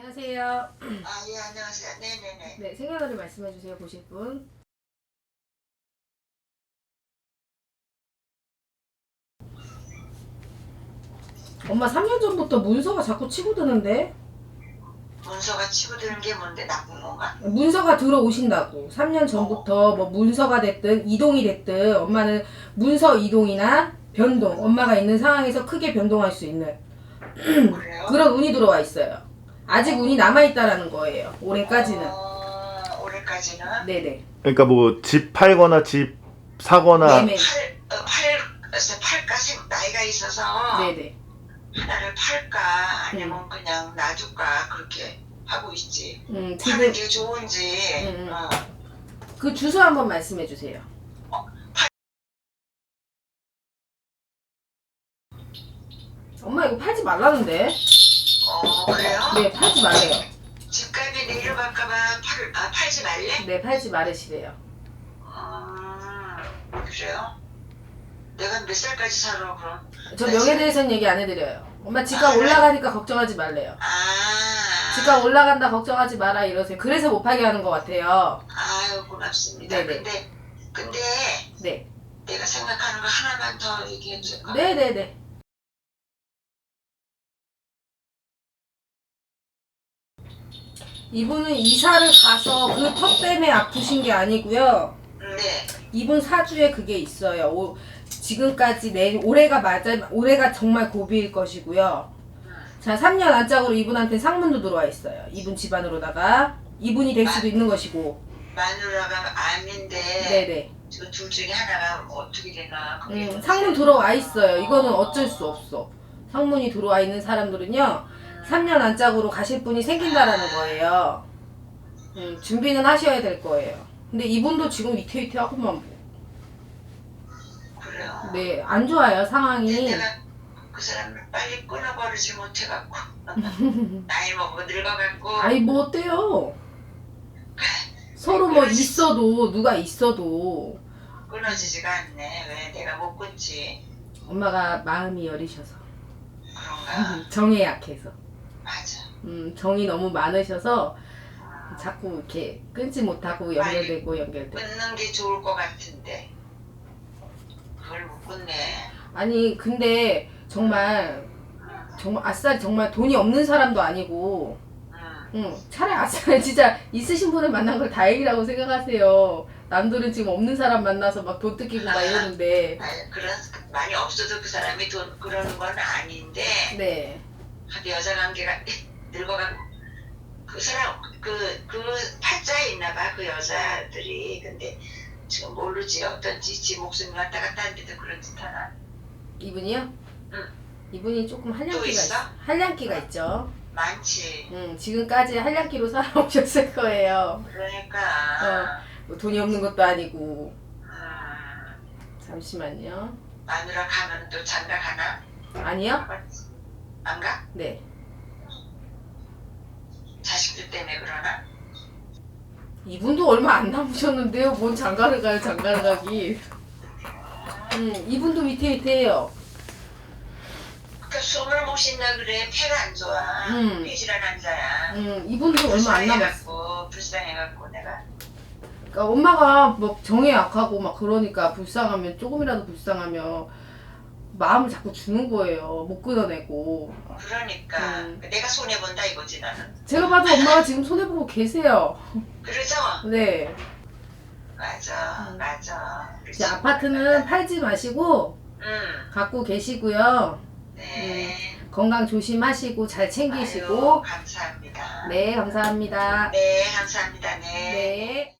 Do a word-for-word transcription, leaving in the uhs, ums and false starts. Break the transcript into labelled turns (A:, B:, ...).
A: 안녕하세요.
B: 아, 예, 안녕하세요. 네네네.
A: 네, 생년월일 말씀해 주세요. 보실 분. 엄마 삼 년 전부터 문서가 자꾸 치고 드는데?
B: 문서가 치고 드는 게 뭔데 나쁜 건가?
A: 문서가 들어오신다고. 삼 년 전부터 뭐 문서가 됐든 이동이 됐든 엄마는 문서 이동이나 변동, 엄마가 있는 상황에서 크게 변동할 수 있는
B: 그래요?
A: 그런 운이 들어와 있어요. 아직 운이 남아있다라는 거예요. 올해까지는.
B: 어, 올해까지는?
A: 네네.
C: 그러니까 뭐 집 팔거나 집 사거나
A: 매매.
B: 팔, 어, 팔, 글쎄, 팔까지 나이가 있어서
A: 네네.
B: 하나를 팔까 아니면 그냥 놔둘까 그렇게 하고 있지.
A: 음,
B: 파는
A: 지금
B: 게 좋은지.
A: 음, 음.
B: 어.
A: 그 주소 한번 말씀해 주세요. 엄마 이거 팔지 말라는데?
B: 어, 그래요?
A: 네, 팔지 말래요.
B: 집값이 내려갈까봐 팔, 아, 팔지 말래?
A: 네, 팔지 말으시래요.
B: 어, 그래요? 내가 몇 살까지 살아 그럼?
A: 저
B: 나
A: 명에
B: 지금-
A: 대해서는 얘기 안 해드려요. 엄마 집값
B: 아,
A: 올라가니까 걱정하지 말래요.
B: 아.
A: 집값 올라간다 걱정하지 마라 이러세요. 그래서 못 팔게 하는 것 같아요.
B: 아유, 고맙습니다.
A: 네네.
B: 근데, 근데
A: 네.
B: 내가 생각하는 거 하나만 더 얘기해 줄까?
A: 네네네. 이분은 이사를 가서 그 턱 때문에 아프신 게 아니고요.
B: 네.
A: 이분 사주에 그게 있어요. 오, 지금까지 내 올해가 맞아 올해가 정말 고비일 것이고요. 자, 삼 년 안짝으로 이분한테 상문도 들어와 있어요. 이분 집안으로다가 이분이 될 수도 있는 것이고.
B: 마누라가 암인데
A: 네네.
B: 저 둘 중에 하나가 어떻게 되나? 그게
A: 음,
B: 문제.
A: 상문 들어와 있어요. 이거는 어쩔 수 없어. 상문이 들어와 있는 사람들은요, 삼 년 안짝으로 가실 분이 생긴다라는 거예요. 음, 준비는 하셔야 될 거예요. 근데 이분도 지금 위태위태하고만 뭐.
B: 그래요.
A: 네, 안 좋아요,
B: 근데
A: 상황이.
B: 내가 그 사람을 빨리 끊어버리지 못해갖고 나이 먹고 늙어갖고
A: 아이, 뭐 어때요? 서로 뭐 있어도, 누가 있어도,
B: 끊어지지가 않네. 왜 내가 못 끊지?
A: 엄마가 마음이 여리셔서.
B: 그런가?
A: 정에 약해서.
B: 맞아.
A: 음, 정이 너무 많으셔서 자꾸 이렇게 끊지 못하고 연결되고 연결되고.
B: 끊는 게 좋을 것 같은데 그걸 못 끊네.
A: 아니 근데 정말 정말 아싸리 정말 돈이 없는 사람도 아니고
B: 응.
A: 응, 차라리 아싸리 진짜 있으신 분을 만난 걸 다행이라고 생각하세요. 남들은 지금 없는 사람 만나서 막 돈 뜯기고 막 이러는데.
B: 아니, 그런 많이 없어도 그 사람이 돈 그러는 건 아닌데
A: 네.
B: 근데 여자 관계가 늙어가고 그 사람 그 그 팔자에 있나봐 그 여자들이. 근데 지금 모르지 어떤지 지 목숨이 왔다 갔다 하는데도 그런 짓 하나.
A: 이분이요?
B: 응.
A: 이분이 조금
B: 또
A: 한량기가
B: 있어?
A: 있어. 한량기가 있죠.
B: 많지.
A: 응, 지금까지 한량기로 살아오셨을 거예요.
B: 그러니까
A: 뭐 돈이 없는 것도 아니고.
B: 음,
A: 잠시만요.
B: 마누라 가면 또 장가 가나?
A: 아니요?
B: 안 가?
A: 네.
B: 자식들 때문에 그러나?
A: 이분도 얼마 안 남으셨는데요. 뭔 장가를 가요, 장가를 가기. 음, 이분도 위태위태해요.
B: 그러니까 숨을 못 쉰다 그래. 폐가 안 좋아.
A: 음.
B: 폐질환 환자야.
A: 음, 이분도 얼마 안 남았어.
B: 불쌍해갖고 불쌍해갖고 내가
A: 그러니까 엄마가 뭐 정에 약하고 막 그러니까 불쌍하면 조금이라도 불쌍하면 마음을 자꾸 주는 거예요. 못 끊어내고.
B: 그러니까
A: 음.
B: 내가 손해 본다 이거지 나는.
A: 제가 봐도 엄마가 지금 손해보고 계세요.
B: 그러죠?
A: 네.
B: 맞아,
A: 음.
B: 맞아.
A: 이제 아파트는 팔지 마시고
B: 응,
A: 갖고 계시고요.
B: 네.
A: 건강 조심하시고 잘
B: 아유,
A: 챙기시고.
B: 감사합니다.
A: 네, 감사합니다.
B: 네, 감사합니다. 네.
A: 네.